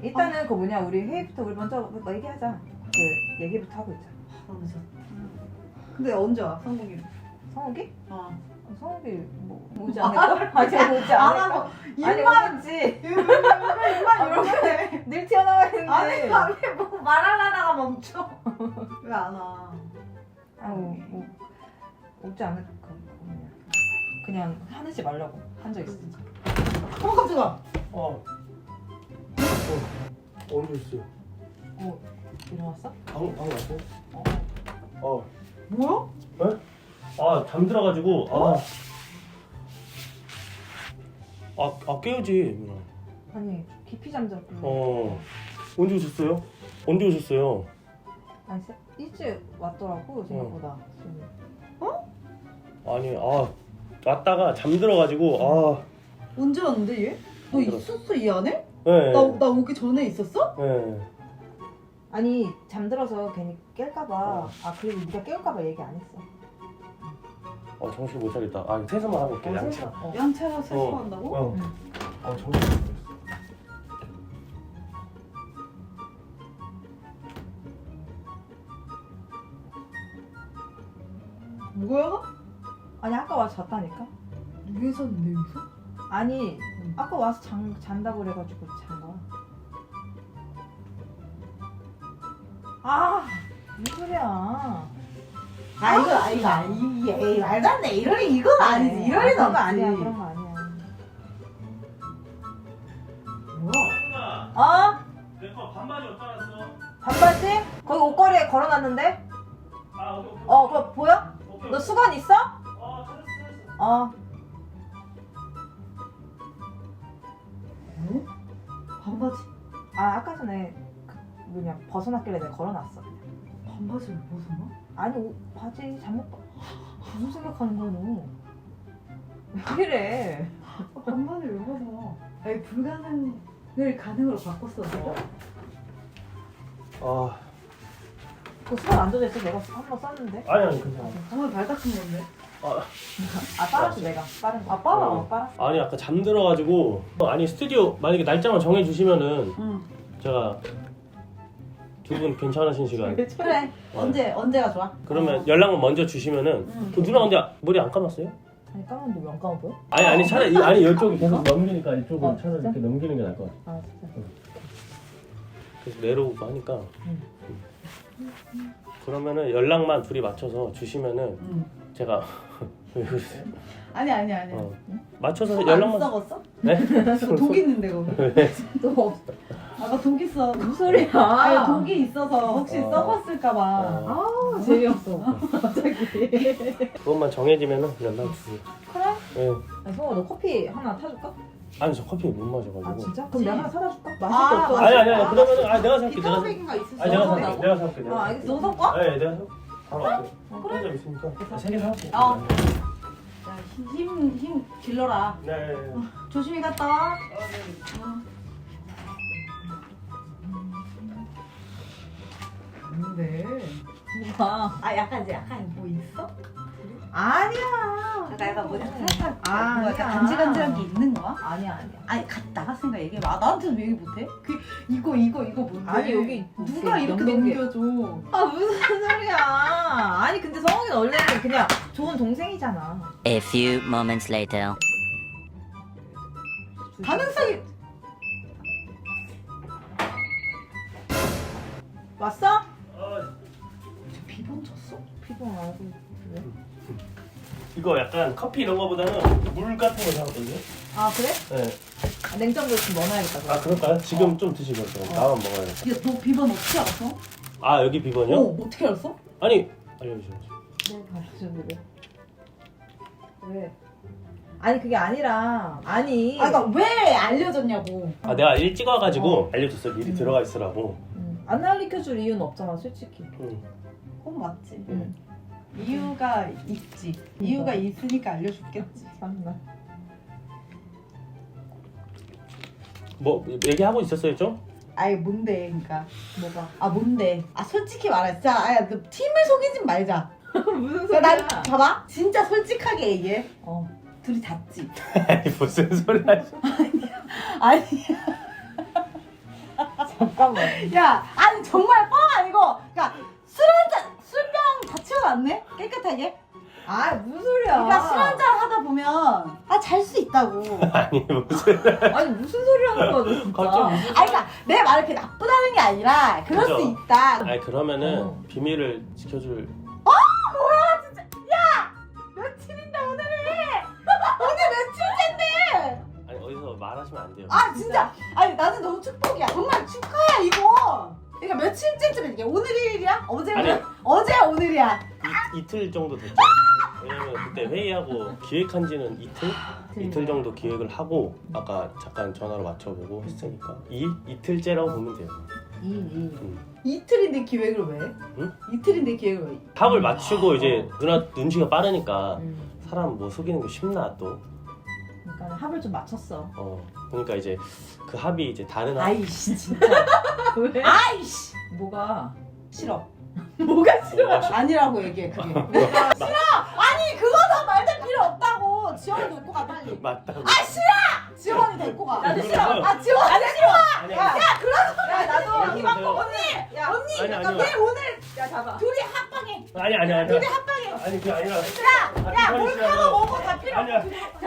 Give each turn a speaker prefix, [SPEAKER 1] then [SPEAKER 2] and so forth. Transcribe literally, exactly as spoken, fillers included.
[SPEAKER 1] 일단은 그 뭐냐 우리 회의부터 우리 먼저 뭐 얘기하자. 그 얘기부터 하고 있자.
[SPEAKER 2] 너무 좋다. 근데 언제 와 성국이?
[SPEAKER 1] 성욱이?
[SPEAKER 2] 어.
[SPEAKER 1] 성욱이 뭐 오지 않을까? 아직 오지
[SPEAKER 2] 안
[SPEAKER 1] 않을까?
[SPEAKER 2] 하고
[SPEAKER 1] 아니
[SPEAKER 2] 입만
[SPEAKER 1] 오지.
[SPEAKER 2] 입만 이렇게.
[SPEAKER 1] 늘 튀어나와 있는데.
[SPEAKER 2] 아니 갑자기 뭐 말하려다가 멈춰. 왜 안 와?
[SPEAKER 1] 아우 뭐 오지 않을까? 그냥 그냥 화내지 말라고 한 적 있어.
[SPEAKER 2] 어 깜짝아.
[SPEAKER 3] 어. 어. 언제 있어요?
[SPEAKER 1] 어 일어났어?
[SPEAKER 3] 방, 방 왔어요?
[SPEAKER 1] 어.
[SPEAKER 3] 어.
[SPEAKER 2] 뭐야?
[SPEAKER 3] 에? 아, 잠들어가지고, 아. 아, 아 깨우지, 누나.
[SPEAKER 1] 아니 깊이 잠들었길래.
[SPEAKER 3] 어. 언제 오셨어요? 언제 오셨어요?
[SPEAKER 1] 아니 세- 일찍 왔더라고 생각보다. 지금.
[SPEAKER 3] 아니, 아. 왔다가 잠들어가지고, 아.
[SPEAKER 2] 언제 왔는데 얘? 너
[SPEAKER 3] 안 들었어.
[SPEAKER 2] 있었어 이 안에?
[SPEAKER 3] 네.
[SPEAKER 2] 나 나 오기 전에 있었어?
[SPEAKER 3] 네.
[SPEAKER 1] 아니 잠들어서 괜히 깰까봐. 아 그리고 네가 깨울까봐 얘기 안 했어.
[SPEAKER 3] 어, 정신 못 차리겠다. 아, 세수만 하고 올게,
[SPEAKER 1] 어,
[SPEAKER 3] 양치.
[SPEAKER 1] 세수- 어.
[SPEAKER 2] 양채로 세수한다고?
[SPEAKER 3] 어.
[SPEAKER 1] 응.
[SPEAKER 3] 아, 정신 못 차리겠어.
[SPEAKER 2] 뭐야?
[SPEAKER 1] 아니 아까 와서 잤다니까.
[SPEAKER 2] 왜 잤는데 여기서?
[SPEAKER 1] 아니
[SPEAKER 2] 응.
[SPEAKER 1] 아까 와서 잔, 잔다고 그래가지고 잔 거야. 아 무슨 소리야.
[SPEAKER 2] 아 이거 아 이거 아니 에이 말도 안 돼. 이럴 리 이건 아니지. 이럴 리는
[SPEAKER 1] 그런 거
[SPEAKER 2] 없지.
[SPEAKER 1] 아니야 그런 거 아니야.
[SPEAKER 2] 뭐야?
[SPEAKER 1] 어?
[SPEAKER 3] 내거 반바지 어디다 놨어?
[SPEAKER 1] 반바지? 거기 옷걸이에 걸어놨는데?
[SPEAKER 3] 아, 오케이, 오케이.
[SPEAKER 1] 어 그거 보여?
[SPEAKER 3] 오케이,
[SPEAKER 1] 너
[SPEAKER 3] 오케이.
[SPEAKER 1] 수건 있어?
[SPEAKER 3] 어, 찾았어, 찾았어.
[SPEAKER 1] 어
[SPEAKER 2] 뭐? 반바지
[SPEAKER 1] 아 아까 전에 그 뭐냐 벗어났길래 내가 걸어놨어 그냥.
[SPEAKER 2] 반바지를 벗어나?
[SPEAKER 1] 아니 옷, 바지 잘못 봐. 무슨 생각하는 거야 너? 왜 이래?
[SPEAKER 2] 아, 반바지를 왜 벗어? 아니 불가능을 가능으로 바꿨어 내가?
[SPEAKER 3] 아,
[SPEAKER 1] 그 수건 안 젖어있어? 내가 한 번 썼는데?
[SPEAKER 3] 아니, 아니, 괜찮아.
[SPEAKER 2] 정말 발 닦은 건데?
[SPEAKER 3] 아,
[SPEAKER 1] 아 빨았어 내가 빠른 거. 아 빨아
[SPEAKER 3] 어.
[SPEAKER 1] 빨았어.
[SPEAKER 3] 아니 아까 잠들어가지고 아니 스튜디오 만약에 날짜만 정해주시면은
[SPEAKER 2] 응.
[SPEAKER 3] 제가 두 분 괜찮으신 시간
[SPEAKER 2] 그래 언제 언제가 좋아?
[SPEAKER 3] 그러면 연락만 먼저 주시면은
[SPEAKER 2] 응.
[SPEAKER 3] 그 누나 근데 머리 안 감았어요?
[SPEAKER 1] 아니 까만데 왜 안 까만 보여?
[SPEAKER 3] 아니 아니 차라리 이- 아니 이쪽이 계속 넘기니까 이쪽은
[SPEAKER 1] 어,
[SPEAKER 3] 차라리
[SPEAKER 1] 진짜?
[SPEAKER 3] 이렇게 넘기는 게 나을 것 같아.
[SPEAKER 1] 아 진짜.
[SPEAKER 3] 그래서 내려오고 하니까
[SPEAKER 1] 응.
[SPEAKER 3] 그러면은 연락만 둘이 맞춰서 주시면은
[SPEAKER 2] 응.
[SPEAKER 3] 제가 왜 그러세요?
[SPEAKER 2] 아니 아니 아니
[SPEAKER 3] 어. 맞춰서
[SPEAKER 2] 안
[SPEAKER 3] 연락만
[SPEAKER 2] 썩었어?
[SPEAKER 3] 네?
[SPEAKER 2] 독 있는데 거기
[SPEAKER 1] 또 없어.
[SPEAKER 2] 아까 독 있어
[SPEAKER 1] 무슨 소리야?
[SPEAKER 2] 아니 독이 있어서 혹시
[SPEAKER 3] 어.
[SPEAKER 2] 썩었을까봐
[SPEAKER 3] 어.
[SPEAKER 1] 아 재미없어. 갑자기.
[SPEAKER 3] 그것만 정해지면은 연락 주세요.
[SPEAKER 1] 그래?
[SPEAKER 3] 네.
[SPEAKER 1] 야, 성호 너 커피 하나 타줄까?
[SPEAKER 3] 아니 저 커피 못 마셔가지고.
[SPEAKER 1] 아 진짜? 그럼 내가 하나 사다 줄까? 마실 게
[SPEAKER 2] 아,
[SPEAKER 1] 없어.
[SPEAKER 3] 아니 아니 아니 그러면은 아 내가 살게 내가 살게.
[SPEAKER 2] 비타민가 있을
[SPEAKER 3] 아니 내가
[SPEAKER 2] 수
[SPEAKER 3] 살게
[SPEAKER 2] 있어.
[SPEAKER 3] 내가 살게 내가
[SPEAKER 1] 아
[SPEAKER 3] 살게.
[SPEAKER 1] 알겠어.
[SPEAKER 2] 너 섞어?
[SPEAKER 3] 네 내가 살 바로 갈게.
[SPEAKER 1] 어,
[SPEAKER 3] 혼자 있으니까 세개 사올게.
[SPEAKER 2] 어. 힘힘 힘 길러라.
[SPEAKER 3] 네. 네, 네.
[SPEAKER 2] 조심히 갔다 와.
[SPEAKER 3] 아, 네.
[SPEAKER 2] 어. 뭔데?
[SPEAKER 1] 뭐야?
[SPEAKER 2] 아 약간 이제 약간 뭐 있어?
[SPEAKER 1] 아니야.
[SPEAKER 2] 약간 약간 뭐 살짝
[SPEAKER 1] 아,
[SPEAKER 2] 뭐 약간
[SPEAKER 1] 아니야.
[SPEAKER 2] 간질간질한 게 있는 거야?
[SPEAKER 1] 아니야 아니야.
[SPEAKER 2] 아니 가, 나갔으니까 얘기해봐. 아, 나한테는 왜 얘기 못해? 그 이거 이거 이거 뭔데?
[SPEAKER 1] 아니, 여기
[SPEAKER 2] 누가
[SPEAKER 1] 이렇게
[SPEAKER 2] 이렇게
[SPEAKER 1] 넘긴 게-
[SPEAKER 2] 넘겨줘?
[SPEAKER 1] 아 무슨 소리야? 아니 근데 성욱이는 원래는 그냥 좋은 동생이잖아.
[SPEAKER 4] A few moments later.
[SPEAKER 2] 가능성이
[SPEAKER 1] 왔어?
[SPEAKER 3] 아,
[SPEAKER 2] 저 비번 쳤어?
[SPEAKER 1] 피곤 알고 왜?
[SPEAKER 3] 이거 약간 커피 이런 거보다는 물 같은 거 사거든요.
[SPEAKER 1] 아 그래?
[SPEAKER 3] 네.
[SPEAKER 1] 아, 냉장고에 좀 넣어놔야겠다.
[SPEAKER 3] 아
[SPEAKER 1] 그럼.
[SPEAKER 3] 그럴까요? 지금 좀 드시고 요 나만 먹어요.
[SPEAKER 2] 야너 비번 어떻게 알았어?
[SPEAKER 3] 아 여기 비번이요?
[SPEAKER 2] 어 어떻게 알았어?
[SPEAKER 3] 아니 알려주셔야죠.
[SPEAKER 1] 네, 알려줬는데 왜? 왜? 아니 그게 아니라 아니.
[SPEAKER 2] 아 그러니까 왜 알려줬냐고.
[SPEAKER 3] 아 내가 일찍 와가지고
[SPEAKER 1] 어.
[SPEAKER 3] 알려줬어. 미리
[SPEAKER 1] 음.
[SPEAKER 3] 들어가 있으라고.
[SPEAKER 1] 음, 안 알려줄 이유는 없잖아 솔직히.
[SPEAKER 3] 응.
[SPEAKER 2] 그건 맞지.
[SPEAKER 1] 응.
[SPEAKER 2] 이유가 있지. 이유가 있으니까 알려줬겠지.
[SPEAKER 1] 참나.
[SPEAKER 3] 뭐 얘기하고 있었어요 좀?
[SPEAKER 2] 아이 뭔데 그러니까.
[SPEAKER 1] 뭐가?
[SPEAKER 2] 아 뭔데? 아 솔직히 말해. 진짜 아야 너 팀을 속이진 말자.
[SPEAKER 1] 무슨
[SPEAKER 2] 그러니까 난 봐봐. 진짜 솔직하게 얘기해.
[SPEAKER 1] 어.
[SPEAKER 2] 둘이 잤지.
[SPEAKER 3] 아니 무슨 소리 하시?
[SPEAKER 2] 아니야.
[SPEAKER 1] 잠깐만.
[SPEAKER 2] 야, 아니 정말 뻥 아니고, 그러니까 술 한잔 술병 다 치워놨네 깨끗하게.
[SPEAKER 1] 아 무슨 소리야?
[SPEAKER 2] 그러니까 술 한잔 하다 보면 아 잘 수 있다고.
[SPEAKER 3] 아니 무슨
[SPEAKER 1] 아니 무슨 소리 하는 거야 너 진짜.
[SPEAKER 3] 갑자기 무슨
[SPEAKER 2] 아니 그러니까 내 말이 그렇게 나쁘다는 게 아니라 그럴
[SPEAKER 3] 그죠?
[SPEAKER 2] 수 있다.
[SPEAKER 3] 아니 그러면은
[SPEAKER 1] 어.
[SPEAKER 3] 비밀을 지켜줄
[SPEAKER 2] 뭐야 진짜. 야 며칠인데 오늘이 오늘 며칠째인데.
[SPEAKER 3] 아니 어디서 말하시면 안 돼요.
[SPEAKER 2] 아 진짜 아니 나는 너무 축복이야. 정말 축하야 이거. 그러니까 며칠째쯤 이게 오늘일이야? 어제
[SPEAKER 3] 아니.
[SPEAKER 2] 어제 오늘이야.
[SPEAKER 3] 이, 이틀 정도 됐죠. 왜냐면 그때 회의하고 기획한 지는 이틀? 이틀 정도 기획을 하고 아까 잠깐 전화로 맞춰보고 했으니까 이 이틀째라고 보면 돼요.
[SPEAKER 2] 이, 이.
[SPEAKER 3] 음.
[SPEAKER 2] 이틀인데 기획을 왜?
[SPEAKER 3] 응?
[SPEAKER 2] 이틀인데 기획을 왜?
[SPEAKER 3] 합을 맞추고 이제 누나 눈치가 빠르니까
[SPEAKER 1] 음.
[SPEAKER 3] 사람 뭐 속이는 게 쉽나 또.
[SPEAKER 1] 그러니까 합을 좀 맞췄어.
[SPEAKER 3] 어 그러니까 이제 그 합이 이제 다른 합.
[SPEAKER 2] 아이씨 진짜.
[SPEAKER 1] 왜?
[SPEAKER 2] 아이씨.
[SPEAKER 1] 뭐가 싫어?
[SPEAKER 2] 뭐가 싫어?
[SPEAKER 3] 뭐가 싫어?
[SPEAKER 2] 아니라고 얘기해 그게. 아니 그거는 말도 필요 없다고. 지원이 데리고 가 빨리.
[SPEAKER 3] 맞다고.
[SPEAKER 2] 아 싫어. 지원이 데리고 가.
[SPEAKER 1] 나도 싫어.
[SPEAKER 2] 아 지원 안 싫어.
[SPEAKER 3] 아니,
[SPEAKER 2] 야,
[SPEAKER 3] 아니,
[SPEAKER 2] 야 그러서
[SPEAKER 1] 야 나도
[SPEAKER 3] 희망
[SPEAKER 1] 희망
[SPEAKER 3] 거
[SPEAKER 2] 언니
[SPEAKER 1] 야
[SPEAKER 2] 언니
[SPEAKER 3] 아니,
[SPEAKER 2] 약간
[SPEAKER 3] 아니요.
[SPEAKER 2] 내 오늘
[SPEAKER 1] 야 잡아.
[SPEAKER 2] 둘이 합방해.
[SPEAKER 3] 아니 아니 아니.
[SPEAKER 2] 둘이 합방해.
[SPEAKER 3] 아니 그게 아니라.
[SPEAKER 2] 야, 야, 몰카고 뭐고 다 필요
[SPEAKER 3] 아니야.
[SPEAKER 2] 없어. 둘이 합방해.